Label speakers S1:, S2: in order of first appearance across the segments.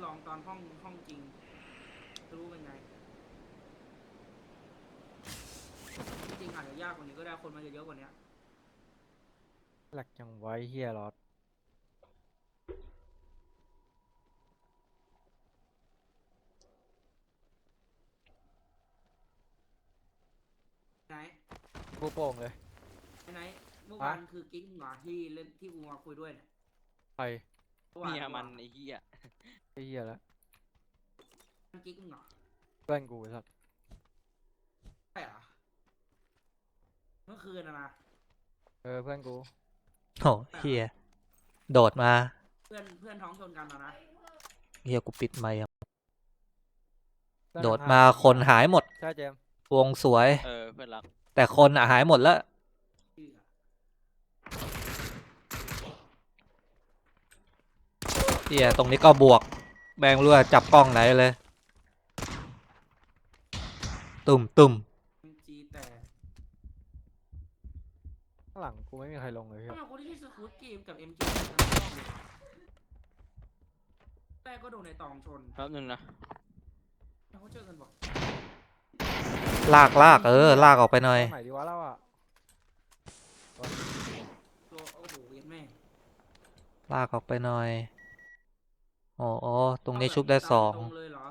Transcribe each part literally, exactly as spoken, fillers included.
S1: องตอนห้องห้องจริงรู้เป็นไงจริงอาจจะยากกว่านี้ก็ได้คนมันจะเยอะกว่านี้
S2: หลักจังไว้เฮียรอด
S1: ไหน
S2: กูโป่งเลย
S1: ไหนเมื่อ
S2: ฮะ
S1: วานคือกิ๊กเหรอที่เล่นที่กูมาคุยด้วยเนี่ย
S2: ไป
S1: เมื่อวาน
S3: เมียมัน
S1: เมื่อวาน
S3: ไอ้เหี้ย
S2: ไอ้เฮียแล้ว
S1: มันกิ๊กเหรอ
S2: เพื่อนกูสัตว์
S1: ใช่เหรอเมื่อคืนนะนะ
S2: เออเพื่อนกู
S4: โหเฮียโดดมา
S1: เพื่อนเพื่อนท้องชนกันนะนะ
S4: เฮียกูปิดไมค์อะ
S2: เพื่อน
S4: โดด
S2: ห่าง
S4: มาคนหายหมด
S2: ใช่เจมส์
S4: วงสวย
S3: เออเพื่อนรัก
S4: แต่คนอะหายหมดแล้ว
S1: ชื่ออะ
S4: เฮียตรงนี้ก็บวกแบงรั่วจับกล้องไหนเลยตุ่มตุ่ม
S1: เอ็มจีแต่
S2: ข้างหลังกูไม่มีใครลงเลยเฮีย
S1: ทำไมคนที่ชื่อสกู๊ตเกมกับเอ็มจีทั้งรอบเลยแต่ก็โดนในตองชน
S3: แป๊บนึงนะ
S1: แล้วเขาเจอกันบอก
S4: ลากลากเออลากออกไปหน่อย
S2: ตรงไหนดีวะเราอ่ะ
S1: ตัวโอ้โหเย็นแม่
S4: ลากออกไปหน่อยอ๋ออ๋อตรงนี้
S1: เอาแบบ
S4: ชุบได้สอง
S1: ตามตรงเลยเหรอ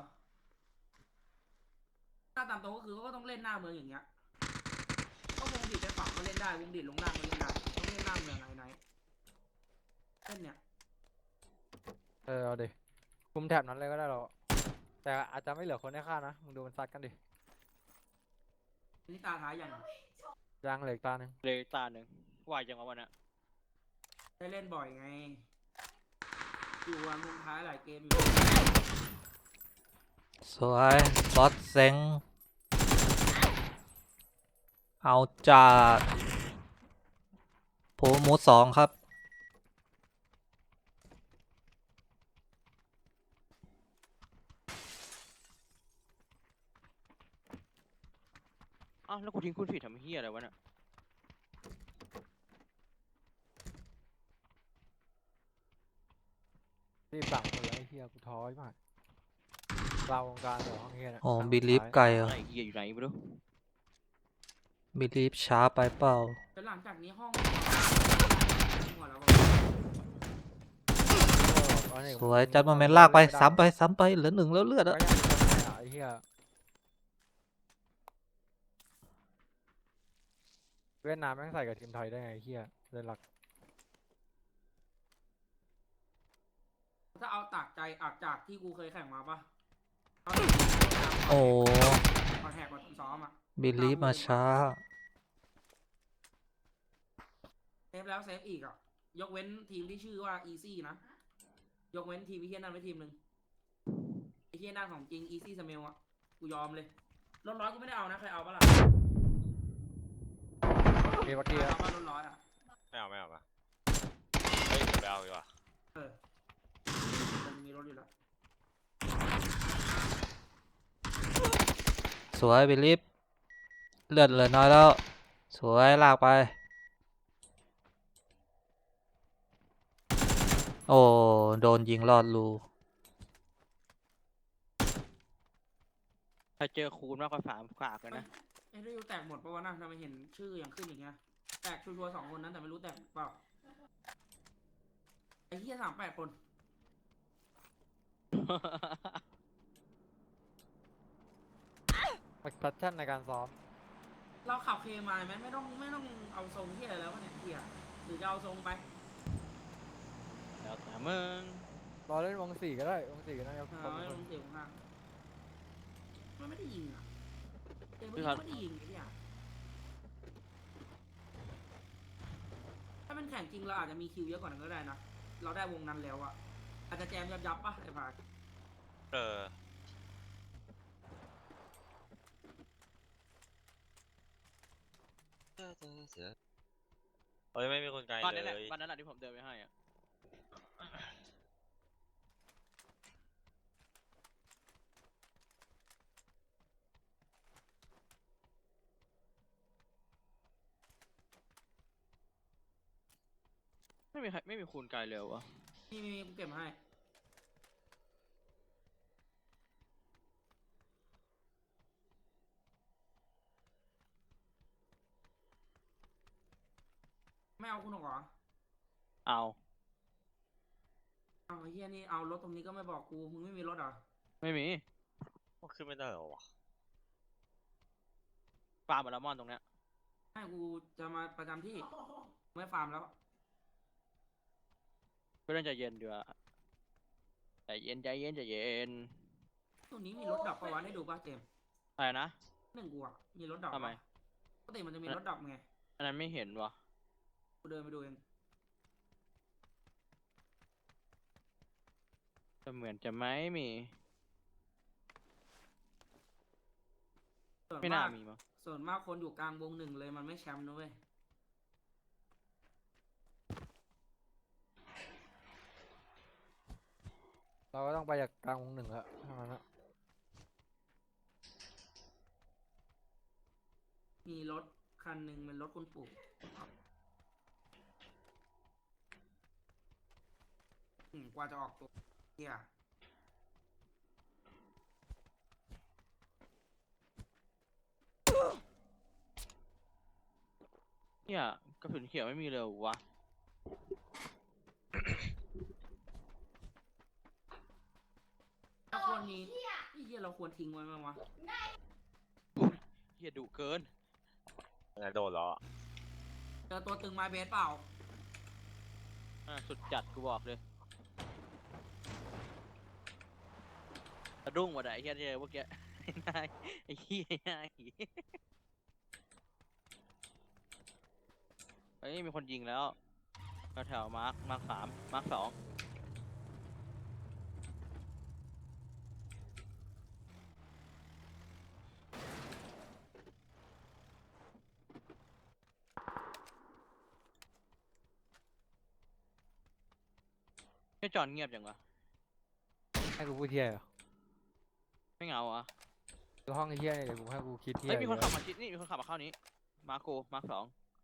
S1: ถ้าตามตรงก็คือเขาก็ต้องเล่นหน้าเมืองอย่างเงี้ยก็วงดีดไปฝั่งก็เล่นได้วงดีดลงล่างก็เล่นได้ต้องเล่นหน้าเมืองไหนไหนเล่นเนี่ย
S2: เออเอาดิคุมแถบนั้นเลยก็ได้เราแต่อาจจะไม่เหลือคนให้ฆ่านะมึงดูมันซัดกันดิ
S1: อันนี้ตาท้ายยัง
S2: ยางเหลืออีกตาหนึ่ง
S3: เลยตาหนึ่งวายจังวะวันน่ะ
S1: ได้เล่นบ่อยไงอยู่วันมุมท้ายหลายเกมอยู่
S4: สวยบอสเซ็งเอาจัดโพมูดสองครับ
S3: อ้าวแล้วกูทิ้งคุณผิดทำเหี้ยอะไรวะน่ะ
S2: รีบสั่งคนเลยไอ้เฮียกูท้อมากเราวงการเดี๋ยวห้องเฮียเนี่ย
S4: โอ้
S2: ครั้ง
S4: บิ
S2: สุด
S4: ลีฟ
S2: ท้าย
S4: ไกลเหร
S3: อะ
S4: อ
S3: ไรเหี้ยอยู่ไหนไม่รู้
S4: บิลีฟช้าไปเปล่า
S1: แต่หลังจากนี้ห้องหัวแล้วก็
S2: โอ้อันนี้
S4: สวย
S2: มึง
S4: จัด
S2: มึ
S4: มาง เมน
S2: เอา
S4: ลากไป
S2: เล่นม่ด้
S4: ซ้ำไปซ้ำไปเหลือหนึ่งแล้วเลือด
S2: ก็
S4: อะ
S2: ยังมีคนไหนอ่ะไอ้เฮียเวียดนามแม่งใส่กับทีมไทยได้ไงไอ้เฮียเล่นหลัก
S1: ถ้าเอาตากใจอักจากที่กูเคยแข่งมาปะเอา
S4: โอ้
S1: คอนแทคมาซ้อมอ่ะ
S4: บิลีฟมาช้า
S1: เซฟแล้วเซฟอีกอ่ะยกเว้นทีมที่ชื่อว่า Easy นะยกเว้นทีมพี่เฮียนั่นไว้ทีมหนึ่งไอ้เฮียนั่นของจริง Easy Smell อ่ะกูยอมเลยรถร้อยกูไม่ได้เอานะใครเอาปะล่ะ
S2: มีวัก
S1: ใคร
S2: กี้
S1: เอาปะรถร้อยอ่ะ
S5: ไม่เอาไม่เอาปะเฮ้ยผมไปเอาดีกว่า
S1: เออมันมีรถอยู่แล้ว
S4: สวยบิลีฟเลือดเหลือน้อยแล้ว สวยลากไป โอ้โดนยิงลอดรู
S3: ถ้าเจอคูณมากกว่าสามฝากกันนะ
S1: เอ้ยได้ยูแตกหมดปะวะนะทำไมเห็นชื่ออย่างขึ้นอย่างเงี้ยแตกชัวร์ๆสองคนนั้นแต่ไม่รู้แตกเปล่าไอ้เฮียสามแปดคน
S2: แพทเทิร์นในการซ้อม
S1: เราขับเคมาไหมไม่ต้องไม่ต้องเอาทรงเฮียอะไรแล้ววะเนี่ยเฮียหรือจะเอาทรงไป
S3: แล้วแต่มึง
S2: รอเล่นวงสี่ก็ได้วงสี่ก็ได้ครับ
S1: เอาไม่
S2: ค
S1: ล
S2: น
S1: งเสียงข้างมันไม่ได้ยิงอ่ะเกมเมื่อกี้ไม่ได้ยิงไอ้เฮียถ้ามันแข่งจริงเราอาจจะมีคิวเยอะกว่านั้นก็ได้นะเราได้วงนั้นแล้วอะอาจจะแจมยับยับๆปะไอ้พาย
S5: เออเฮ้ยไม่มีคนไกล
S3: บ้าน
S5: เล
S3: นั้นแหละ
S5: ย
S3: บ้านนั้นแหละที่ผมเดินไปให้อะไม่มีใครไม่มีคูณไกลเลยวะ
S1: มีมีมีกูเก็บมาให้ไม่เอาคุณหรอกเหรอ
S3: เอา
S1: เอาไอ้เฮียนี่เอารถตรงนี้ก็ไม่บอกกูมึงไม่มีรถเหรอ
S3: ไม่มี
S5: มันขึ้นไม่ได้เหรอวะ
S3: ฟาร์มบอลมอนตรงเนี้ย
S1: ให้กูจะมาประจำที่ไม่ฟาร์มแล้ว
S3: ก็ต้องใจเย็นดีกว่าใจเย็นใจเย็นใจเย็น
S1: ตรงนี้มีรถดับประวันให้ดูป่ะเจมส์
S3: อะไรนะ
S1: หนึ่งกูอ่ะมีรถดับ
S3: ทำไม
S1: ปะปกติมันจะมีรถดับไง
S3: อันนั้นไม่เห็นวะ
S1: กูเดินไปดูเอง
S3: จะเหมือนจะไม่มี
S1: ส่วน
S3: ไม่น่าม
S1: าก
S3: มีมั้ง
S1: ส่วนมากคนอยู่กลางวงหนึ่งเลยมันไม่แชมป์นะเว้ย
S2: เราก็ต้องไปจากกลางวงหนึ่งแล้วเท่านั้นอะ
S1: มีรถคันหนึ่งเป็นรถคุณปู่อืมกว่าจะออกตัวเฮีย
S3: เนี่ยกระสุนเขียวไม่มีเลยเหรอวะ
S1: เราควรมีไอ้เฮียเราควรทิ้งไว้ไหมวะ
S3: เฮียดุเกิน
S5: มันจะโดนเหรอ
S1: เจอตัวตึงไม้เบสเปล่า
S3: อ่ะสุดจัดกูบอกเลยสะดุ้งหมดอะไอ้เฮียเจอเมื่อกี้ ไอ้นายไอ้เฮียไอ้นายเฮ้ยมีคนยิงแล้วแถวๆมาร์คมาร์คสามมาร์คสองไอ้จอนเงียบจังวะ
S2: ให้กูพูดเที่ยเหรอ
S3: ไม่เหงาอ่ะ
S2: คือห้องไอ้เที่ยเนี่ยเดี๋ยวกูให้กูคิดเที่ย
S3: เฮ้ยมีคน
S2: เย
S3: ขับ
S2: อะ
S3: มาชิดนี่มีคนขับมาเข้านี้มาร์คโกมาร์คสอง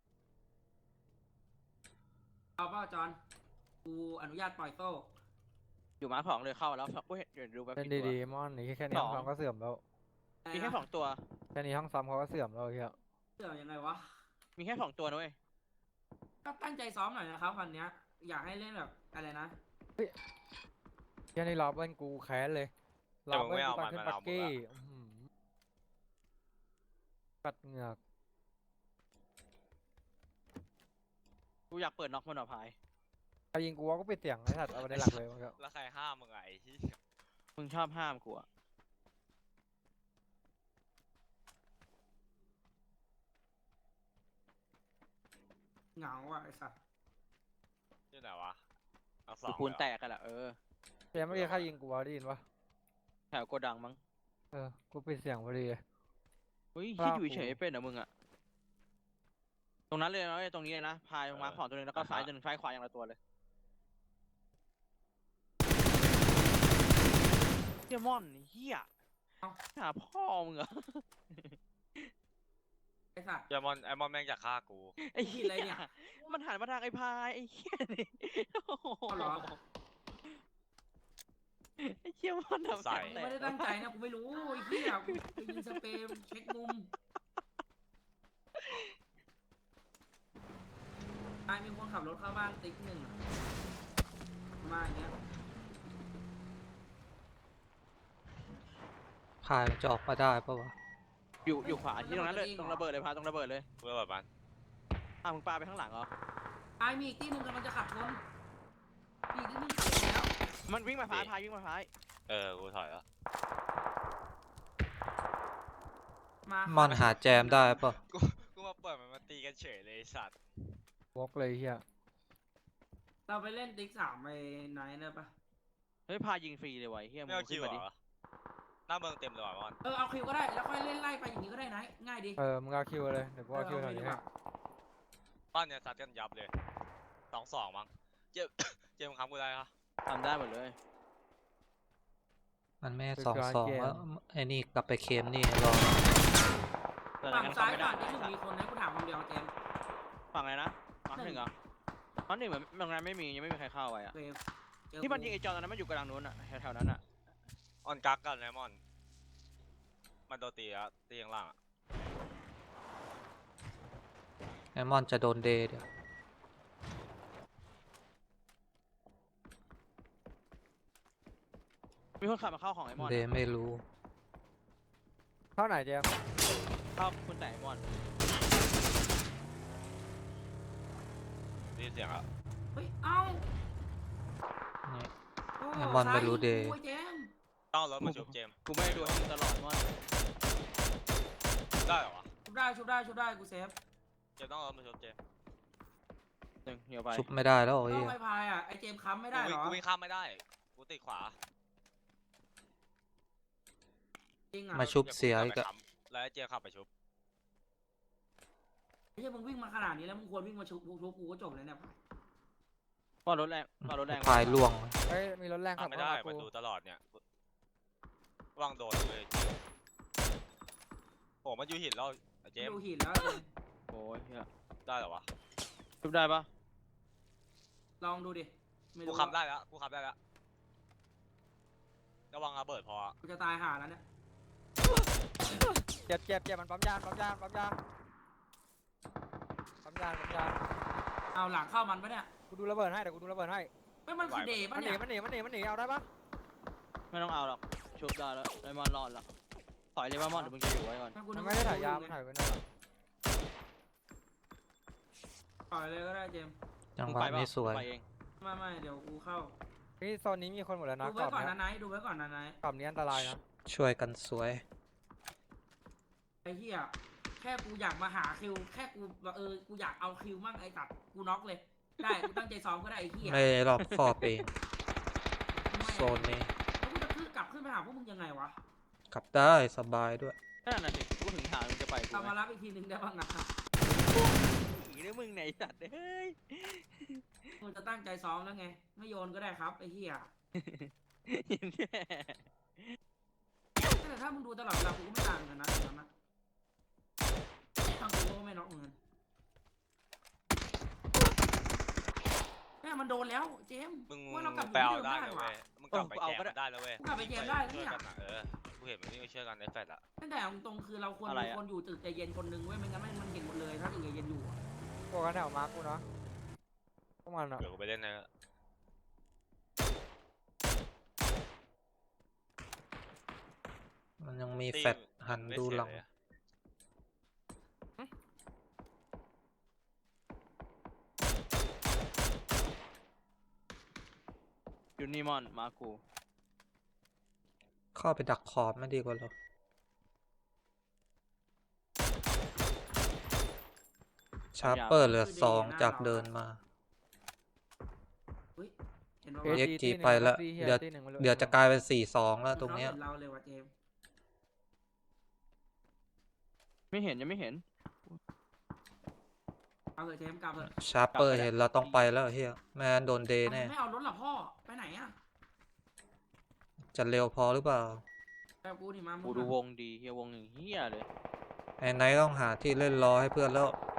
S1: เอาเปล่าจอนกูอนุญาตปล่อยโซ่
S3: อยู่มาร์คสองเลยเข้าแล้วกูเห็นเดี๋ยวดูแบบ
S2: เล่น
S3: ผิดตัว
S2: ดีๆมอนนี่แค่นี้
S3: ส
S2: ห้
S3: อ
S2: อง งซ้อมก็เสื่อมแล้ว
S3: มีแค่สองตัว
S2: แค่นี้ห้องซ้อมเขาก็เสื่อมแล้วไอ้เที่ย
S1: เสื่อมยังไงวะ
S3: มีแค่สองตัวนะเว้ย
S1: ก็ตั้งใจซ้อมหน่อยนะครับวันเนี้ย อยากให้เล่นแบบอะไรนะ
S2: เที่ยนี่รอเบิ้ลกูแค้นเลยรอเบิ้ลกูตอนขึ้นปักกี้อื้อหือกัดเหงือก
S3: กูอยากเปิดน็อกมันหน่อพาย
S2: ใครยิงกูว่าก็ปิดเสียงไอ้สัตว์เอาไปในหลักเลยมันก็
S5: แล้วใครห้ามมึงไงที่
S3: มึงชอบห้ามกูอะ
S1: เหงาอ่ะไอ้สัส
S5: ที่ไหนวะเอาสอ
S3: กู
S5: ง
S3: คูณ
S5: เลยเหรอ
S3: แตกกันละเออ
S2: เที่ยเมื่อกี้ใครยิงกูวะได้ยินปะ
S3: แถวโกดังมั้ง
S2: เออกูปิดเสียงพอดีเลย
S3: เฮ้ย
S2: ครั
S3: คิด
S2: บ
S3: อยู่เฉยๆเป็นเหรอมึงอะตรงนั้นเลยนะเว้ยตรงนี้เลยนะพายมาร์คสองตัวหนึงแล้วก็ซ้ายตัวหนึงซ้ายขวาอย่างละตัวเลยเฮียมอนเฮียหาพ่อมึงเหรอ
S1: ไอ้สัส
S5: ไอมอนไอมอนแม่งอยากฆ่ากู
S3: ไอ้เหี้
S1: อะไรเนี่ย
S3: มันหันมาทางไอ้พายไอ้เหี้ยนี่โอ้โห
S1: เอาเหรอ
S3: ไอ้เหี้ยมันทำ
S5: ใส่
S3: แต
S1: ไม่ได้ตั้งใจนะกูไม่รู้ไอ้เหี้ยกูไปยิงสเปรย์เช็คมุมไอ้มีคนขับรถเข้าบ้านติ๊กหนึ่งอะมาอย่างเงี้ย
S4: พายมันจะออกมาได้ปะวะ
S3: อยู่อยู่ขวาที่ตรงนั้นเลยตรงระเบิดเลยพาตรงระเบิดเลย
S5: เพื่อแบบมัน
S3: อ้าวมึงปาไปข้างหลังเหรอ
S1: ไอ้มีอีกที่หนึ่งกำลังจะขับชนมีอีกที่หนึ่งขับแล้ว
S3: มันวิ่งมาพายพายวิ่งมาพาย
S5: เออกูถอยแล้ว
S1: มา
S4: มันหาแจมได้ปะ
S5: กูกูมาเปิดมันมาตีกันเฉยเลยไอ้สัตว์
S2: วอกเลยไอ้เที่ย
S1: เราไปเล่นติ๊กสามไปไหนเนี่ยปะ
S3: เฮ้ยพายยิงฟรีเลยว่ะไอ้เหี้ยมึ
S5: ไม่
S3: ง
S5: เอาคิ
S3: ขึ้น
S5: ว
S3: มาดิ
S5: เหรอหน้าเมืองเต็มเลยว่ะมอน
S1: เออเอาคิวก็ได้แล้วค่อยเล่นไล่ไปอย่างนี้ก็ได้นะง่ายดี
S2: เออมึงเอาคิวเลยเดี๋ยวกูเอาคิวแถวนี้ให้
S5: บ้านเนี่ยซัดกันยับเลยสองสองมั้งเจม เจมส์คำกูได้ปะ
S3: ทำได้หมดเลย
S4: มันไม่สองสองแล้วไอ้นี่กลับไปเคมนี่รอ
S3: แต่
S1: ฝั่ง
S3: งั้น
S1: ซ้าย
S3: ทำไม่ได้
S1: ฝั่งที่หนึ่งมีคนนะกูถามคนเดียวเจมส์
S3: ฝั่งอะไรนะฝั่งหนึ่งเหรอฝั่งหนึ่งเหมือนตรงนั้นไม่มียังไม่มีใครเข้าไปอ่ะ
S1: เจมส์เจอ
S3: ที่มัน
S1: กู
S3: ยิงไอ้จอตอนนั้นมันอยู่กลางนู้นอ่ะแถวๆนั้นอ่ะ
S5: ออนกักกันนะมอนมันโดนตีแล้วตีข้างล่างอะ
S4: ไอมอนจะโดนเดย์เดี๋ยว
S3: มีคนขับมาเข้าของไอ้มอน
S4: เดไม่รู้
S2: เท่าไหนเจมส์
S3: เข้าคุณแต่ไอ้มอน
S5: ได้ยินเสียงอ่ะ
S1: เฮ้ย เอ้า
S4: นี่
S1: โอ้
S4: ไอ้มอนไม่รู้เดย์
S1: ซ้ายกูไอ้เจมส์
S5: ต้องเอารถมาชุบเจมส์
S3: กูไม่ได้ดูให้มึงตลอดมอน
S5: ได้เหรอวะ
S1: ชุบได้ชุบได้ชุบได้กูเซฟ
S5: เจมส์ต้องเอารถมาชุบเจมส์
S3: หนึ่งเหี่ยวไป
S4: ชุบไม่ได้แล้ว
S1: ต้
S4: ไอ้
S1: อ
S4: เหี้
S1: ง
S4: ย
S1: ไปพายอ่ะไอเจมส์ค้ำไม่ได้
S5: กู
S1: เห
S5: วิ่
S1: รง อ
S5: กูวิ่งข้ามไม่ได้กูติดขวา
S1: จริงอ่ะ
S4: มาชุบเสีย
S5: ดี๋ว
S4: อี
S5: กู
S4: ก
S5: ขั
S4: อะ
S5: บไปค้ำแล้วไอ้เจมส์ขับไปชุบ
S1: ไม่ใช่มึงวิ่งมาขนาดนี้แล้วมึงควรวิ่งมาชุบชุบกูก็จบเลยเนี่ย
S3: มอนรถแรงมอนรถแรง
S4: พายล่วง
S2: เฮ้ยมีรถแรงขั
S5: ขั
S2: บบ
S5: ไม่
S2: เข้า
S5: ได้
S2: มา
S5: ประ
S2: กู
S5: ตูตลอดเนี่ยระว่างโดนเลยโอ้มันอยู่หินแล้วไอ้เจมส์
S1: ดูหินแล้วเจมส์
S3: โอ้ยเหี้ย
S5: ได้เหรอวะ
S3: ชุบได้ปะ
S1: ลองดูดิไม่
S5: กู
S1: รู้
S5: ขับได้แล้วกูขับได้แล้วระวังระเบิดพออะ
S1: กูจะตายห่าแล้วเนี่ย
S2: เจ็บเจ็บเจ็บมันปั๊มยางปั๊มยางปั๊มยางปั๊มยางปั๊มยาง
S1: เอาหลังเข้ามันปะเนี่ย
S2: กูดูระเบิดให้เดี๋ยวกูดูระเบิดให้
S1: ไม่มันคือเดย์
S2: มั
S1: ปะ
S2: นหนี
S1: เนี่ย
S2: มันหนีมันหนีมันหนีเอาได้ปะ
S3: ไม่ต้องเอาหรอกชุบได้แล้วไอ้มอนรอดแล้วถอยเลยว่ามอนเดี๋ยวมึงจะอยู่ไว้ก่อน
S1: กู
S2: มัน
S1: นึก
S2: ไม่ได้ถ่ายยาวมันถ่ายไว้นั่นแหละ
S1: ปล่อยเลยก็ได้เจมส์
S4: จัง
S3: มึ
S4: หวะ
S3: ไปปะ
S4: นี้สวย
S3: ไปเอง
S1: ไม่ไม่เดี๋ยวกูเข้า
S2: นี่โซนนี้มีคนหมดแล้วนะ
S1: ดู
S2: กร
S1: ไว้
S2: อบ
S1: ก่อน
S2: เนี้
S1: นะ
S2: ย
S1: ไนท์ดูไว้ก่อนนะไนท์
S2: กรอบนี้อันตรายนะ
S4: ช่วยกันสวย
S1: ไอ้เหี้ยแค่กูอยากมาหาคิวแค่กูแบบเออกูอยากเอาคิวมั่งไอ้ตัดกูน็อกเลยได้กูตั้งใจซ้อมก็ได้ไอ้เหี้ย
S4: ไม่รอบคอบเอง โซนนี้
S1: แล้วกูจะขึ้นกลับขึ้นไปหาพวกมึงยังไงวะ
S4: กลับได้สบายด้วย
S3: นั่นน่ะสิกูถึงถามมึงจะไปกู
S1: เอา
S3: ไหม
S1: มารับอีกทีหนึ่งได้บ้างนะ
S3: หนีหรือมึงไหนสัตว์เฮ้ย
S1: มึงจะตั้งใจซ้อมแล้วไงไม่โยนก็ได้ครับไอ้เหี้ยแต่ถ้ามึงดูตลอดเวลากูก็ไม่ต่างกันนะตรงนั้นนะทางกูก็ไม่น็อกเหมือนกันแม่มันโดนแล้วเจมส์
S5: มึง
S1: ว่าเรากลับอยู่
S5: ไปเอา
S1: ที่เดิม
S5: ได้
S1: ได้
S5: เลย
S1: ว่ะ
S5: เว้ยมึงกลับไปแจมมันได้แล้วเว้ย
S1: กลับไปแจมได้แล้ว
S5: ช่วย
S1: เนี่ย
S5: กันอะเออกูเห็นมันวิ่งไปช่วยกันในแฟลตอะ
S1: ตั้งแต่เอาตรงๆคือเราควรมีคนอยู่ตึกใจเย็นคนหนึงเว้ยไม่งั้นมันเห็นหมดเลยถ้าตึกใจเย็นอยู่อะ
S2: พวกกันแถวมาร์กกูเนาะพวกมันอ่ะ
S5: เดี๋ยวกูไปเล่นใน
S4: มันยังมี
S5: ตี
S4: แฟดหัน
S5: ไม่
S4: ดู
S5: เสีย
S4: หลัง
S5: เลยอะ
S3: อยู่นี่มอนมากู
S4: เข้าไปดักขอบไม่ดีกว่าหรอชาร์เปอร์เหลือสองจากเดินมา
S1: เฮ้ยเห็นว่า
S2: เอ
S4: เอ็ก
S2: จี
S4: จี
S2: ตีหนึ่ง
S4: ไปแล้ว
S2: ตีหี้
S4: เดี๋ยว
S2: ตีหนึ่งไม่รู้
S4: เดี๋ยวจะกลายเป็นสี่สองแล้วตรงเนี้ย
S1: เราเลยว่ะเจมส์
S3: ไม่เห็นยังไม่เห็น
S1: เอาเลยเจมส์กลับเลย
S4: ชาร์เปอร์เห็นเราต้องไปแล้วเฮียแม่งั้นโดนเดย์แน่
S1: ไม่เอารถหรอพ่อไปไหนอ่ะ
S4: จะเร็วพอหรือเปล่า
S1: แต่กูนี่มามึ
S3: กู
S1: ง
S3: ดู
S1: อะ
S3: วงดีเฮียวงหนึ่งเฮียเลย
S4: ไอ้ไนท์ต้องหาที่เล่นรอให้เพื่อนแล้ว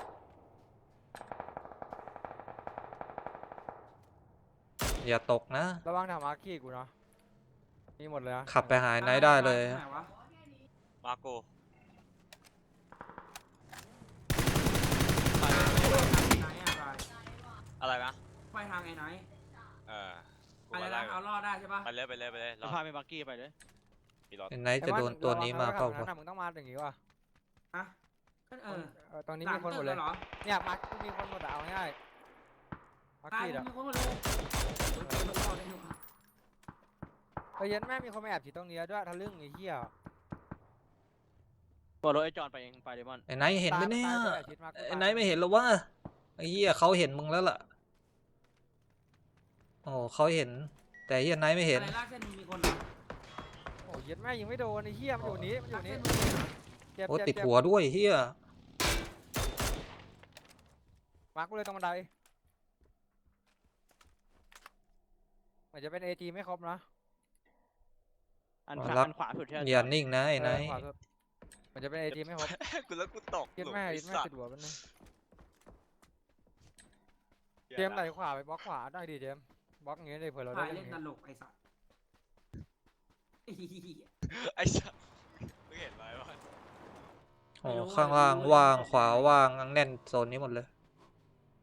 S4: อย่าตกนะ
S2: ระวังแถวมาร์กขี้กูเนาะมีหมดเลยนะ
S4: ขับไปหาไอ้ไนท์ได้เลย
S1: ไหนวะ
S5: มาโก
S1: ไปทางไอ้ไนท์อะไป
S5: อะไรนะ
S1: ไปทางไอ้ไนท์
S5: เออกู
S1: อะไร
S5: มาไล่
S1: นะเอารอดได้ใช่ปะ
S5: ไปเลยไปเลยไปเลยร
S3: จะ
S5: อ
S3: พาไปบักกี้ไปเลย
S5: มีรถ
S4: ไอ้ไนท์จะโดนตัวนี้มาเปล่า
S2: ระวัง
S4: วะ
S2: นะมึงต้องมาอย่างงี้ว่ะ
S1: ฮะก็เออ
S2: เออตอนนี้
S1: หลั
S2: มี
S1: ง
S2: คนหม
S1: ตึ
S2: ด
S1: ก
S2: เล
S1: แล้
S2: ยว
S1: เหรอ
S2: เนี่ยมาร์กกูมีคนหมดอะเอาง่ายมาร์ก
S1: ตาย
S2: ขี้
S1: มึ
S2: อะ
S1: งมีคนหมดเลยโอเคมันรอดได้อยู่อะ
S2: เฮ้ยเย็นแม่มีคนมาแอบฉีดตรงนี้ด้วยทะลึ่งไอ้เหี้ย
S3: บอกรถไอ้จอนไปเองไปเดมอน
S4: ไอ้ไนท์เห็นไหมเนี่ย
S2: ตามตามไปแอบฉีดมากู
S4: ไอ้ไนท์ไม่เห็นหรอวะไอ้เหี้ยเขาเห็นมึงแล้วล่ะ โอ้เขาเห็น แต่ไอ้เหี้ยไนท์ไม่เห็น
S1: อะไรลากเส้นมึงมีคนเหรอ
S2: โอ้ยเย็นแม่ยิงไม่โดนไอ้เหี้ยมันอยู่นี้มันอยู่
S1: ลาก
S2: นี้
S1: เส้นมึงมีเหรอ
S2: เจ็บ
S4: โอ้
S2: เจ็บ
S4: ติด
S2: เจ็บ
S4: หัวด้วยเหี้ย
S2: มาร์กกูเลยตรงบันไดเหมือนจะเป็นเอจีไม่ครบนะ
S3: อันขวาอันขวาสุดใช่ไหม
S4: อย่านิ่งนะไอ้ไน
S2: เออ
S4: ท์
S2: ขวาสุดเหมือนจะเป็นเอจีไม่ครบ
S5: กูแล้วกูตก
S2: เย็น
S5: หลุม
S2: แม่
S5: ไอ้
S2: เย็นแม่
S5: สัต
S2: ติด
S5: ว์
S2: หัวมันนึง
S5: หี้ย
S2: เจมส์ไหลขวาไปบล็อกขวาได้ดิเจมส์บล็อกอย่างงี้เลยเผื่อเราได้
S1: ถ่าย
S2: เล่
S1: เล่
S2: น
S1: น
S2: อย่าง
S1: ต
S2: งี้
S1: ลกไอ้สัสไอ้เหี้ย
S5: ไอ้สัตว์มึงเห็นไหมวะ
S4: โอ้ข้างล่างว่างขวาว่างแน่นโซนนี้หมดเลย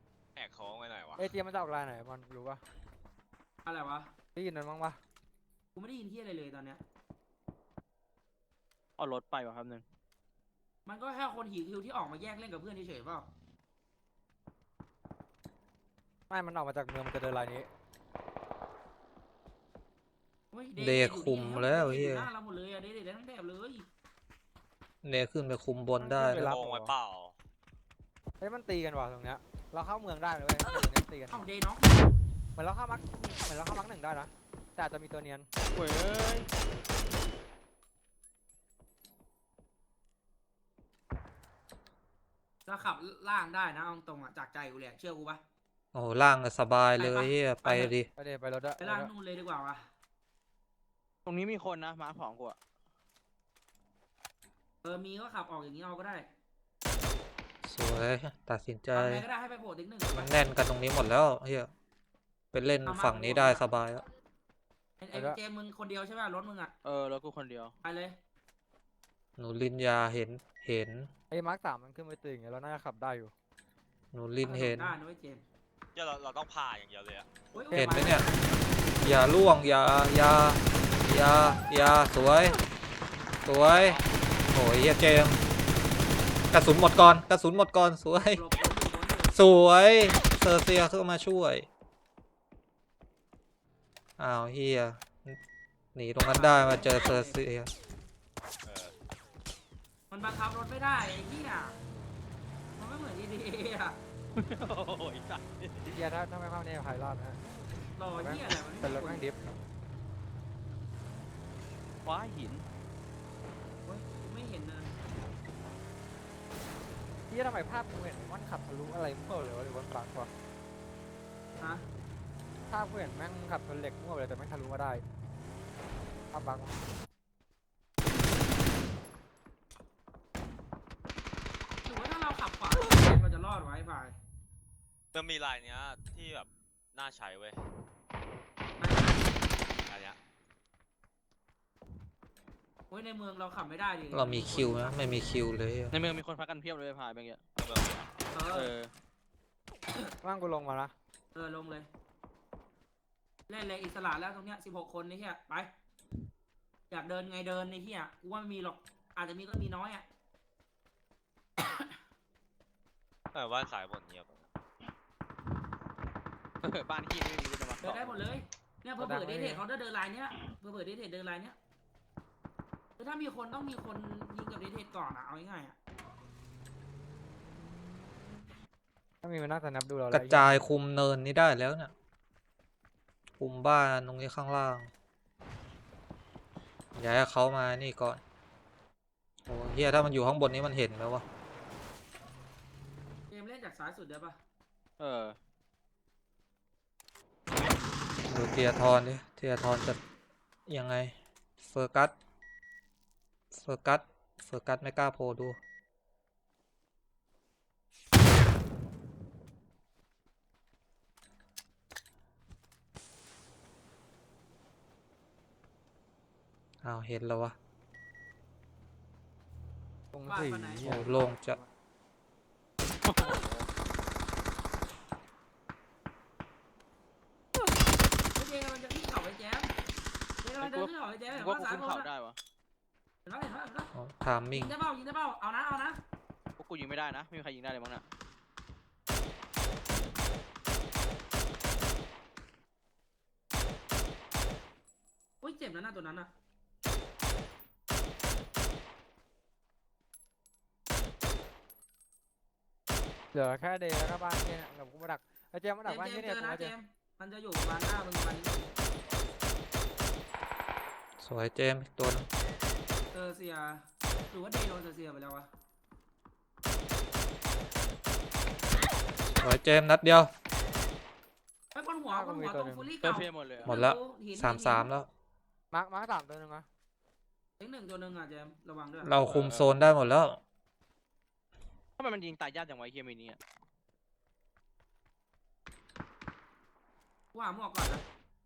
S5: แอกโค้งไปหน่อยวะ
S2: เอจีมันจะออกลายไหนมันรู้ปะ
S1: อะไรวะ
S2: ได้ยินมันบ้างปะ
S1: กูไม่ได้ยินที่อะไรเลยตอนเนี้ย
S3: เอารถไปว่ะครับนึง
S1: มันก็แค่คนหิวคิวที่ออกมาแยกเล่นกับเพื่อนเฉยๆเปล่า
S2: ไม่มันออกมาจากเมืองมันจะเดินลายนี้
S1: ฮ้ย
S4: เด
S1: ย์
S4: คุม
S1: อยู่
S4: แล้ว
S1: เดย์
S4: เฮี
S1: อยู่
S4: ย
S1: หน้าเราหมดเลยอะเดย์เดย์ได้ทั้งแถบเลย
S4: เนขึ้นไปคุมบนได้
S2: เว
S4: แล้
S2: ลา
S4: ว
S5: โกงไว้เปล่า
S2: เฮ้ยมันตีกันว่ะตรงเนี้ยเราเข้าเมืองได้เลยเว้ยตรงเนี้ยตีกัน
S1: เอ้าเดย์เนาะ
S2: เหมือนเราเข้ามักเหมือนเราเข้ามักหนึ่งได้นะแต่อาจจะมีตัวเนียน
S3: เว้ย
S1: เราขับล่างได้นะเอาตรงๆอะจากใจกูเลยอะเชื่อกูปะ
S4: โอ้โหล่างก็สบายเลย
S1: ไปปะ
S4: เฮียไป
S1: ไปเถอะ
S4: ดิ
S2: ไปเดี๋ยวไปรถอะ
S1: ไปล่างนู่นเลยดีกว่าวะ
S3: ตรงนี้มีคนนะมาร์คสองกูอะ
S1: เออมีก็ขับออกอย่างนี้เอาก็ได้
S4: สวยตัดสินใจ
S1: ทำไงก็ได้ให้ไปโผล่ติ๊กหนึ่ง
S4: มันแน่นกันตรงนี้หมดแล้วเฮียไปเล่นฝั่งนี้ได้สบายแล้ว
S1: ไอ้ไอ้เจมส์มึงคนเดียวใช่ป่ะรถมึงอะ
S3: เออรถกูคนเดียว
S1: ไปเลย
S4: หนูลินยาเห็นเห็น
S2: ไอ้มาร์คสามมันขึ้นไปตีอย่างเงี้ยเราน่าจะขับได้อยู่
S4: หนูลินเห็น
S1: ได้นะเว้ยเจมส์
S5: เดี๋ยวเราเราต้องพาอย่างเดียวเลยอะ
S1: โอ้ย
S4: เห็นไหมเนี่ย อย่าล่วงอย่าอย่าอย่าอย่าสวย สวยโอ้ยเฮียเจมส์กระสุนหมดก่อนกระสุนหมดก่อนสวย
S1: หลบหลบอยู่หลบอยู่
S4: สวยเซอร์เซียเข้ามาช่วย อ้าวเฮียหนีตรงนั้นได้มาเจอเซอร์เซีย
S5: เออ
S1: มันบังคับรถไม่ได้ไอ้เหี้ยมันไม่เหมือนดีดีอะ
S3: โอ้ยสัตว์
S2: เฮียถ้าถ้าไม่เข้าเนี่ยใครรอดนะ
S1: รอเหี้ยอะไรมัน
S2: เป็นรถ
S1: ไม่
S2: แม่งดิฟ
S3: ว้าหิน
S1: โอ้ยไม่เห็นนะ
S2: เฮียทำไมภาพกูเห็นมันขับทะลุอะไรมั่วเลยวะหรือว่าบังวะ
S1: ฮะ
S2: ภาพกูเห็นแม่งขับชนเหล็กมั่วเลยแต่แม่งทะลุมาได้ภาพบัง
S1: ถือว่าถ้าเราขับขวาเราจะรอดไว้ไป
S5: มันมีลายเนี้ยที่แบบน่าใช้เว้ยอันเนี้ย
S1: โอ้ยในเมืองเราขับไม่ได้ดิ
S4: เรามีคิวนะไม่มีคิวเลย
S3: ในเมืองมีคนพักกันเพียบเลยพายไปเงี้ย
S5: เอาแบบนี้
S1: เอ
S3: เอ
S1: อ
S3: อ
S2: ว่างกูลงมาละ
S1: เออลงเลย เล่นเลยอิสระแล้วตรงเนี้ยสิบหกคนนี่เฮียไป อยากเดินไงเดินในเฮียกูว่าไม่มีหรอก อาจจะมีก็มีน้อยอ่ะ
S5: เออว่านสายบนเงียบ
S3: เออบ้านที่ไม่มีจะมา
S1: เดินได้หมดเลย เนี่ยเผื่อเปิดเดทเทเขาจะเดินไลน์เนี้ยเผื่อเปิดเดทเทเดินไลน์เนี้ยคือถ้ามีคนต้องมีคนยิงกับเดทเทก่อนอ่ะ เอาง่ายๆอ่ะ
S2: ถ้ามีมันน่าจะนับดูเรา
S4: กระจายคุมเนินนี้ได้แล้วเนี่ยคุมบ้านตรงนี้ข้างล่างอย่าให้เขามานี่ก่อนโอ้เฮียถ้ามันอยู่ข้างบนนี้มันเห็นแล้ววะ
S1: เกมเล่นจากซ้ายสุดได้ปะ
S3: เออ
S4: ดูเทียทอนดิเทียทอนจะยังไงเฟอร์กัสเฟอร์กัสเฟอร์กัสไม่กล้าโพลดูอ้าวเห็นแล้ววะ
S2: ตรงสี่
S4: โอ้โล่งจะ
S1: เจมมันจะขึ้นเขาไปแจมเจมมันจะขึ้นเขาไปแจมเห็น
S3: กูว่า
S1: ว่า
S3: กู
S1: ซ้าย
S3: ขึ้น
S1: บน
S3: เขาได้วะ
S1: เห็นว่าเห็นว่าเห็นว่า
S4: อ๋อทามมิ่
S1: ยิ
S4: ง
S1: งได้เปล่ายิงได้เปล่าเอานะเอานะ
S3: พวกกูยิงไม่ได้นะไม่มีใครยิงได้เลยมั้งน่ะ
S1: อุ้ยเจ็บนะหน้าตัวนั้นอ่ะ
S2: เหลือแค่เดย์แล้วก็บ้านเนี่ยเดี๋ยวกูมาดักไอ้เจมมา
S1: เจ
S2: ดัก
S1: ม
S2: บ้าน
S1: เจ
S2: เนี่
S1: ม
S2: ย
S1: เจ
S2: เนี่ย
S1: อ
S2: ตรง
S1: นะ
S2: นี้
S1: เจมมันจะอยู่ประมาณหน้ามึงประมาณนี้
S4: สวยเจมส์อีกตัวหนึง
S1: เออเสียหรือว่าเดย์โดนเสียไปแล้ววะ
S4: สวยเจมส์นัดเดียว
S1: ไอ้คนหัวคนหัวตรงฟูลี่
S3: เติ
S1: เก่าม
S3: เพียหมดเลยอะ
S4: หมดแล้วสามสามแล้ว
S2: มาร์คมาร์คสามตัวหนึงนะ
S1: ถึงหนึ่งตัวหนึ่งอ่ะเจมระวังด้วย
S4: เราคุมโซนได้หมดแล้ว
S3: ทำไมมันยิงตายยากจังวะไอ้เฮียมินี่อะ
S1: ว่าหมวกก่อนนะ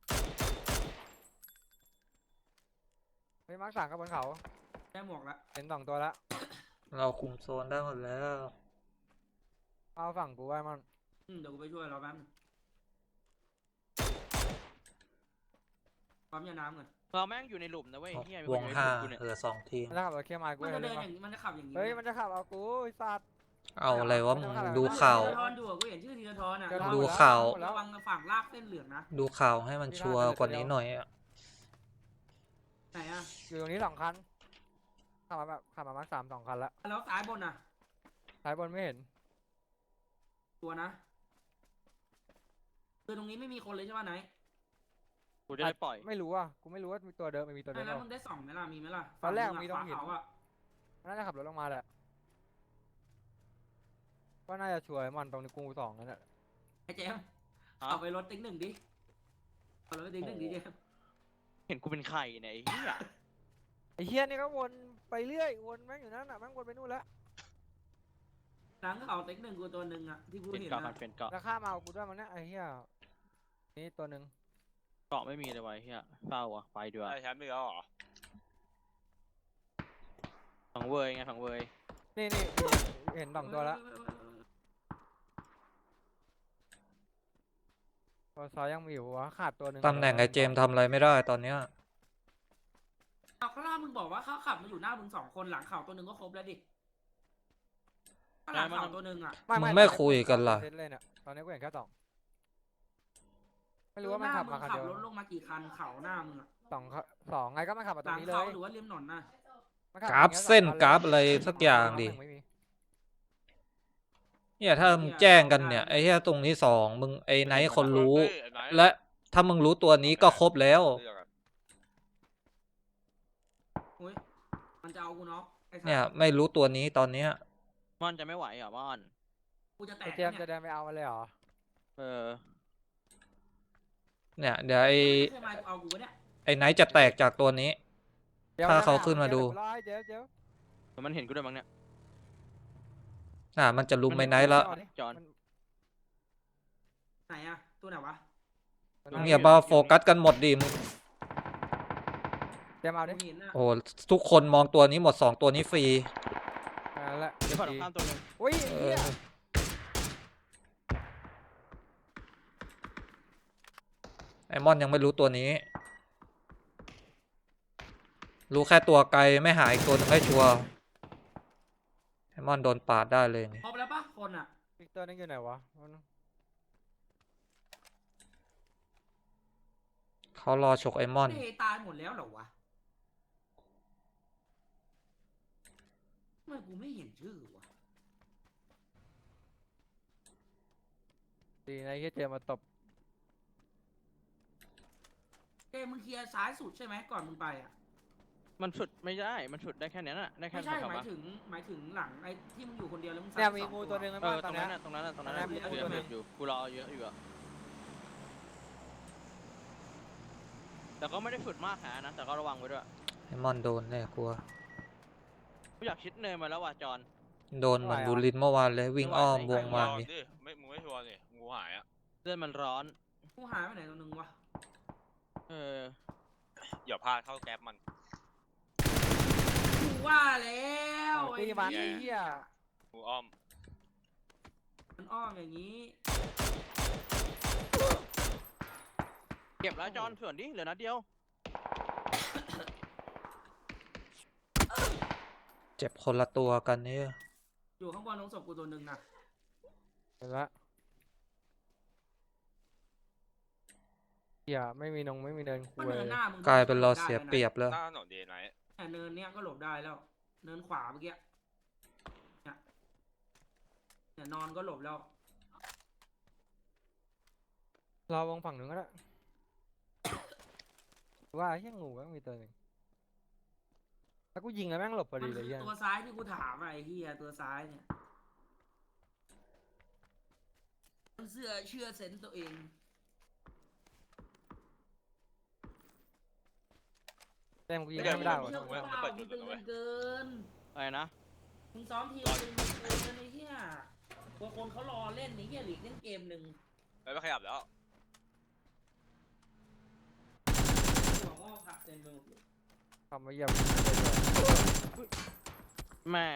S2: เฮ้ยมาร์คสามก็บนเขา
S1: ได้หมวกละ
S2: เห็นสองตัวละ
S4: เราคุมโซนได้หมดแล้ว
S2: เอาฝั่งกูไว้มัน
S1: อืมเดี๋ยวกูไปช่วยเราแป๊บนึงปั๊มยาน้ำก่อน
S3: เราแม่งอยู่ในหลุมนะเว้ยเฮียมี
S4: ว
S3: คน
S4: ง
S3: อยู่ใน
S4: ห้า
S3: หลุมกูเนี่ย
S4: เออสองทีม
S2: มันจะขับรถเคลียร์มากู
S1: มัน
S2: เห็
S1: จะ
S2: น
S1: เดิ
S2: เลย
S1: น
S2: ปะ
S1: อย่างนี้มันจะขับอย่างนี้
S2: เฮ้ยมันจะขับเอากูไอ้สัตว์
S4: เอาอะไรวะมึงดู
S2: มันจะ
S4: ข่าว
S1: ธีรทรดูอะกูเห็นชื่อธีรทรอ่ะ
S2: เดี๋ยว
S4: ดู
S2: ทำหม
S4: ข่าว
S2: หมดแล้ว
S1: ระวังฝั่งลากเส้นเหลืองนะ
S4: ดูข่าวให้มันชัวร์กว่านี้หน่อยอะ
S1: ไหนอ่ะ
S2: อยู่ตรงนี้สองคันขับมาแบบขับมามาสามสองคันละ
S1: แล้วซ้ายบนอ่ะ
S2: ซ้ายบนไม่เห็น
S1: ตัวนะคือตรงนี้ไม่มีคนเลยใช่ป่ะไหน
S3: กูจะได้ปล่อย
S2: ไม่รู้อ่ะกูไม่รู้ว่ามีตัวเดินไม่มีตัวเดิน
S1: แล้ว
S2: เป
S1: มึ
S2: ล่าง
S1: ได้ส่องไหมล่ะมีไหมล่ะ
S2: ตอนแรก
S1: ฝั่
S2: มีตรงหิน
S1: ขวาเขาอ่ะ
S2: น่าจะขับรถลงมาแหละก็น่าจะช่วยมันตรงนี้กูสองนั่นแหละ
S1: ไอ้เจมส์
S3: ฮะ
S1: เอาไปรถติ๊กหนึ่งดิเอารถติ๊กหนึ่งดิเจมส์
S3: เห็นกูเป็นใครเนี่ยไอ้เหี้ย
S2: ไอ้เฮียนี่ก็วนไปเรื่อยวนแม่งอยู่นั่นน่ะแม่งวนไปนู่นแล้ว
S1: หลังเขาติ๊กหนึ่งกูตัวหนึ่งอ่ะที่กู
S3: เป็น
S1: เห็น
S3: เกาะกั
S1: นะ
S3: นเป็นเกาะ
S2: แล้วข้ามมาเอากูด้วยมันเนี่ยไอ้เฮียนี่ตัวหนึ่ง
S3: เกาะไม่มีเลยไวะไอ้เหี้ยเศร้าอ่ะไปดีกว่า
S5: ได้แชมป์อีกแล้วเหรอ
S3: ฝังเวยไงฝังเวย
S2: นี่นี่เห็นสองตัวแล้วตัวซ้ายยังมีอยู่วะขาดตัวหนึ่ง
S4: ตำแหน่งไอ้เจมส์ทำอะไรไม่ได้ตอนเนี้ย
S1: เอาข้างหน้ามึงบอกว่าเขาขับมาอยู่หน้ามึงสองคนหลังเขาตัวหนึ่งก็ครบแล้วดิข้างหลังเขาตัวหนึ่งอ่ะ
S4: มึงไม่คุยกันล่ะ
S2: เซตเลยเนี่ยตอนนี้กูเห็นแค่สองไม่รู้ว่ามันขับมาคัน
S1: ขั
S2: เดียว
S1: รถลงมากี่คันเขาหน้ามึงอ่ะ
S2: สองคันสองไงก็มันขับมา
S1: ห
S2: ตร
S1: ลั
S2: ง
S1: ง
S2: นี้เล
S1: เขา
S2: ย
S1: หรือว่าริมถนนน่ะ
S2: มันขับ
S4: กราฟ
S2: อย่งงี้ย
S4: เส้น
S2: สองคั
S4: กราฟอะไรสักอย่างดิ
S2: ไม่มี
S4: เนี่ยถ้ามึงแจ้งกันเนี่ยไอ้เหี้ยตรงนี้สองมึงไอ้ไนท์คนรู้
S5: เฮ้ยไอ้ไหน
S4: และถ้ามึงรู้ตัวนี้ก็ครบแล้ว
S5: เลือกอะ
S1: โอ้ยมันจะเอากูเนาะไอ้สัส
S4: เนี่ยไม่รู้ตัวนี้ตอนเนี้ย
S3: ม่อนจะไม่ไหวเหรอม่อน
S1: กูจะแต
S2: ไอ้
S1: ก
S2: เจมส์
S1: เนี่
S2: จะ
S1: ย
S2: เดินไปเอามันเลยเหรอ
S3: เออ
S4: เนี่ยเดี๋ยวไอ้
S1: ใช่ไหมกูเอากูวะเนี่ย
S4: ไอ้ไนท์จะแตกจากตัวนี้
S2: ดี๋ยว
S4: ถ้า
S2: ดี๋ยว
S4: เขาขึ้นมาดู
S2: เดี๋ยวรอให้เดี๋ยวเดี๋ยว
S3: แต่มันเห็นกูด้วยมั้งเนี่ย
S4: น่ะมันจะลุมไอ้ไนท์แล้ว
S2: เอาดิ
S3: จอน
S2: มัน
S1: ไหนอะตัวไหนวะ
S2: มัน
S4: เนี่ยมาโฟกัสกันหมดดิมึง
S2: เจมส์เอาดิ
S1: กูเห็นอะ
S4: โอ้ทุกคนมองตัวนี้หมดสองตัวนี้ฟรี
S2: เอาละ
S3: เดี๋ยวฝั่งตรงข้ามตัวหนึง
S2: อุ้ย
S4: เอ
S2: เหี้
S4: อย ไอมอนยังไม่รู้ตัวนี้ รู้แค่ตัวไกลไม่หาอีกตัวหนึงให้ชัวร์ไอมอนโดนปาดได้เลยไง
S1: ครบแล้วปะคนอะ
S2: อีกตัวนึงอยู่ไหนวะมัน
S4: เขารอฉกไอมอน
S1: เฮ้ยตายหมดแล้วเหรอวะทำไมกูไม่เห็นชื่อวะ
S2: ดีนะที่เจมส์มาตบ
S1: เอ้ยมึงเคลียร์ซ้ายสุดใช่ไหมก่อนมึงไปอะ
S3: มันฉุดไม่ได้ มันฉุดได้แค่นั้นน่ะ ได้แค่
S1: ไม่ใช่
S3: สอง
S1: หมาย
S3: ปะ
S1: ถึงหมายถึงหลังไอ้ที่มึงอยู่คนเดียวแล้วมึงซ้า
S2: เนี่ย
S1: ไป
S2: มี
S1: สอง
S2: งูตัวหนึง
S3: เอ
S2: บ้า
S3: อ
S2: ต
S3: ต
S2: อ
S3: ร
S2: น
S3: ง
S2: เนี้
S3: นั้
S2: ย
S3: นน่ะตรงนั้นน่ะตรงนั้นน่ะ
S2: ตรงนั้น
S3: กู
S2: มี
S3: ยัง
S2: ตัวหนึ่
S3: เห็
S2: ง
S3: นอยู่ กูรอเยอะอยู่อะแต่ก็ไม่ได้ฝึกมากขนาดนั้นแต่ก็ระวังไว้ด้วย
S4: ไอมอนโดนแน่กลัว
S3: กูอยากชิดเนินมาแล้วว่ะจอน
S4: โดนเหมือนบูลินเมื่อวานเลยวิ่งอ้อมวงมา
S5: ลอง
S4: นี่
S5: ดิไม่มึงไม่ชัวร์นี่งูหายอ่ะ
S3: เลือดมันร้อน
S1: กูหายไปไหนตัวหนึ่งวะ
S3: เออ
S5: อย่าพลาดเข้าแก๊ปมัน
S1: กูว่าแล้ว
S2: ตีมัน
S1: ไอ้
S2: ไอ้
S1: เหี้
S2: เหี้
S1: ย
S2: ย
S5: งูอ้อม
S1: มันอ้อมอย่างนี้
S3: เก็บแล้วจอนส่วนดิเหลือนัดเดียว
S4: เจ็บคนละตัวกันเนี่ย
S1: อยู่ข้างบนลงศพกูตัวหนึ่งนะ
S2: เห็นละเหี้ยไม่มีนงไม่มีเดินคุ
S1: ก็
S2: ย
S1: เนินหน้ามึง
S4: กลายเป็นเราเสียเปรียบแล้ว
S5: หน้าถนนเดย์ไนท์
S1: แต่เนินเนี้ยก็หลบได้แล้ว เนินขวาเมื่อกี้เนี่ยเนี่ยนอนก็หลบแล้ว
S2: รอวงฝั่งหนึ่งก็ได้ว่าเหี้ยงูก็มีตัวหนึ่งแล้วกูยิงแล้วแม่งหลบพอ
S1: มั
S2: ดี
S1: น
S2: เลย
S1: คือ
S2: เหี้ย
S1: ตัวซ้ายที่กูถามอะไอ้เหี้ยตัวซ้ายเนี่ยมันเสื้อเชื่อเซนส์ตัวเอง
S2: แต่กูยิงไม่ได้หรอ
S1: เชื่อกูเปล่ามึงตึงกันเกิน
S3: อะไรนะ
S1: มึงซ้อมทีมตึงกันเกินไอ้เหี้ยบางคนเขารอเล่นไอ้เหี้ยหลีกเล่นเกมหนึ่ง
S5: ไปไม่ขยับแล้ว
S1: หัวงอกค่ะเต็มไปหมดเลย
S2: ทำมาเยี่ยม
S3: แม่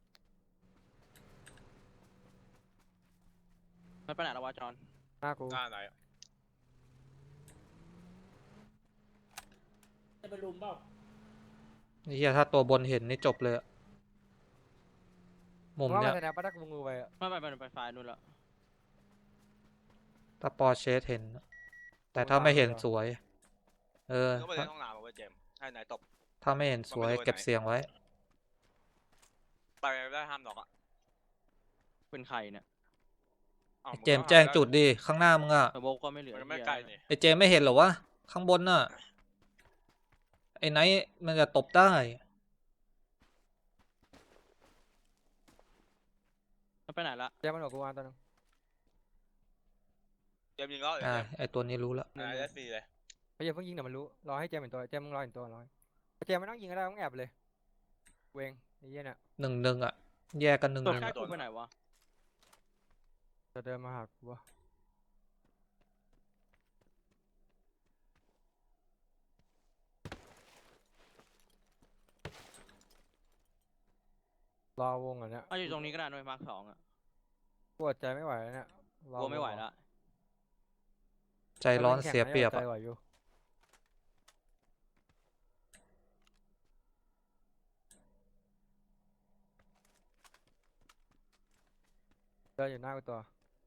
S3: ไม่ไปไหนแล้ววะจอน
S2: หน้ากู
S5: หน้าไหน
S1: จะไปรุมเปล่า
S4: ไอ้เฮียถ้าตัวบนเห็นนี่จบเลยอะมุม
S2: ว่า
S4: เนี้
S2: มัน
S4: ย
S2: แสดงปะถ้ากูงูไปอะ
S3: ไม่ไปไปไปไฟล์นู่นละ
S4: ถ้าปอร์เชสเห็น แต่ถ้าไม่เห็นสวย เออ
S5: ก็ไปเล่นห้องน้ำมาเว้ยเจมส์ให้นายตบ
S4: ถ้าไม่เห็นสวยเก็บเสียงไว้
S5: ไปได้ห้ามหรอกอ่ะ
S3: เป็นใครเนี่ย
S5: อ้าว
S4: เจมส์แจ้งจุดดิข้างหน้ามึงอะ
S3: แต่โบก็ไม่เหลือ
S5: มันไม่
S3: เหี้ย
S5: ไกลนี่
S4: ไอเจมส์ไม่เห็นเหรอวะข้างบนน่ะไอไนท์มันจะตบได้
S3: มันไปไหนละ
S2: เจ๊มันบอกกูวางตัวนึง
S5: เจมส์ยิงแล้วเหรอ
S4: อ่า
S5: เจมส์
S4: ไอตัวนี้รู้แล้ว
S5: อ่าได้ฟรีเลย
S2: ไอ้เจ๊เพิ่งยิงเดี๋ยวมันรู้รอให้เจ๊เห็นตัวเจ๊มึงรอเห็นตัวรอเจ๊ไม่ต้องยิงก็ได้ต้องแอบเลยเวงไอ้เหี้ยเนี่ย
S4: หนึ่งหนึ่งอะแยกกันหนึ่ง
S3: ตัว
S4: หนึ่ง
S3: ใกล้
S4: อะ
S3: กูไปไหนวะ
S2: จะเดินมาหากูวะรอวงอ่ะเนี่ย
S3: เอาอยู่ตรงนี้ก็ได้ด้วยมาร์คสองอ่ะ
S2: ปวดใจไม่ไหวแล้วเนี่ยรอก
S3: ลัวไม่ไหวละ
S4: ใจร้อนเสียเปรียบ
S2: ใจ
S4: อะ
S2: ไหวอยู่เดินอยู่หน้ากูตัว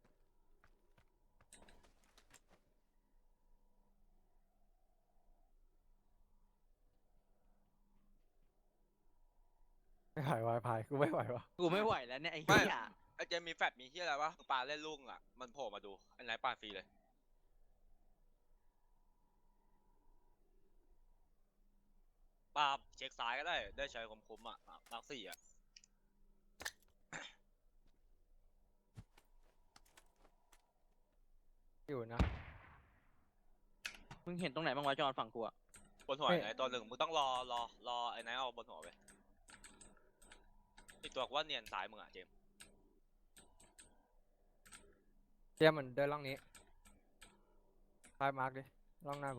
S2: ไม่ไหววายพายกูไม่ไหววะ
S3: กูไม่ไหวแล้วเนี่ยไอ้
S5: ไม่
S3: เหี้ย
S5: ไอ้เจมส์มีแฟลชมีเฮียอะไรวะปลาเล่นลูกอ่ะมันโผล่มาดูไอ้นายปาดฟรีเลยปาเช็คซ้ายก็ได้ได้ใช้คมๆอ่ะมาร์คสี่อ่ะ
S2: อยู่นะ
S3: มึงเห็นตรงไหนบ้างวะจอนฝั่งกูอ่ะ
S5: บนหัว
S2: เฮ้ย
S5: ไอ้ตัวหนึ่งมึงต้องรอรอรอไอ้นายเอาบนหัวไปอีกตัวกูว่าเนียนซ้ายมึงอ่ะเจมส์
S2: เจ๊มันเดินล่องนี้พายมาร์กดิล่องหน้ากู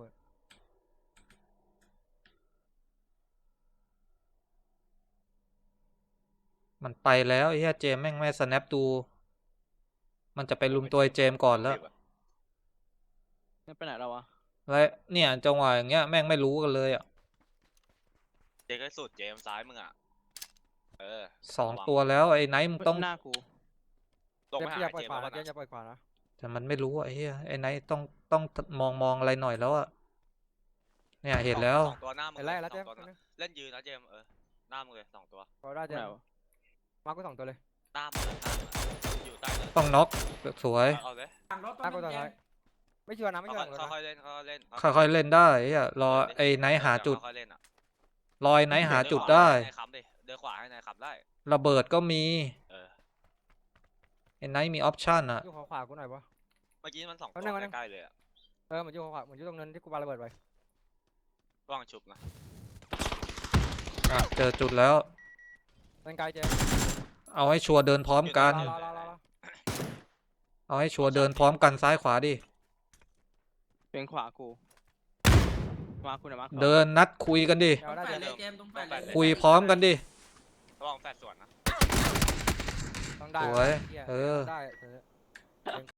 S4: มันไปแล้วไอ้เฮียเจมส์แม่งไม่สแนปดู มันจะไปลุมตัวไอ้เจมส์ก่อนแล้ว
S3: ไม่ไปไหนแล้ววะ
S4: แล้วเนี่ยจังหวะอย่างเงี้ยแม่งไม่รู้กันเลยอ่ะ
S5: เจมส์ก็สุดเจมส์ซ้ายมึงอ่ะเออ
S4: สองตัวแล้วไอ้ไนท์มึงต้อง
S3: หน้ากู
S5: ลง
S2: เจ๊
S5: ไปหา
S2: อย่า
S5: ไอ้
S2: ปล่อย
S5: เจม
S2: ขวา
S5: ส์
S2: นะ
S5: แล้ว
S2: เจ๊
S5: นะ
S2: อย่าปล่อยขวานะ
S4: แต่มันไม่รู้อะไอ้เฮียไอ้ไนท์ต้องต้องมองมองอะไรหน่อยแล้วอะเนี่ยเห็นแล้ว
S5: สองตัวหน้ามึง
S2: เห็นไล่แล้ว
S5: ส
S2: เจ๊
S5: องตัวนะเล่นยืนนะเจมส์เออหน้ามึงเลยสองตัว
S2: พอได้เจ๊
S3: ไหนวะ
S2: มาร์กกูสองตัวเลย
S5: หน้ามึงเลยหน้ามึงอะอยู่ใต้เลย
S4: ต้องน็อกสวย
S5: เอาเอาเลย
S1: ทางรถ
S2: หน้ากู
S1: ต้
S2: ตั
S1: อ
S2: ว
S1: ง
S2: ท้ายไม่ชัวร์นะไม่ชัวร์หลังรถนะ
S5: ค่อยๆเล่นค่อยๆเล่น
S4: ค่อยๆเล่นได้ไอ้เฮียรอไอ้ไนท์หาจุด
S5: ค่อยๆเล่นอะ
S4: รอไอ้ไนท์หาจุดได้
S5: เนขวาให้นายค้ำดิเดินขวาให้นายค้ำได้
S4: ระเบิดก็มี
S5: เออ
S4: ไอ้ไนท์มีออปชั่นอะ
S2: อยู่ขวาขวากูหน่อยวะ
S5: เมื่อกี้มันสองตั
S2: เอาหนึ่ง
S5: ว
S2: เอาหนึ่ง
S5: ใกล้ๆเลยอะ
S2: เออเหมือนอยู่ขวาขวาเหมือนอยู่ตรงนั้นที่กูปาระเบิดไป
S5: ว่างชุบนะ
S4: อ่ะเจอจุดแล้ว
S2: เล่นไกลเจ๊
S4: เอาให้ชัวร์เดินพร้อมกัน
S2: รอรอรอรอรอ
S4: เอาให้ชัวร์เดินพร้อมกันซ้ายขวาดิ
S3: เป็นขวากูมาร์คกูนะมาร์คสอง
S4: เดินนัดคุยกันดิ
S2: เอาได้
S1: แป
S2: เจ๊
S1: ดเลยเจมส์ต้องแปดเลย
S4: คุยพร้อมกันดิ
S5: ระวังแฟดสวนนะ
S2: ต้องได้
S4: สวย
S2: หี้
S4: เออ
S2: ได้เออ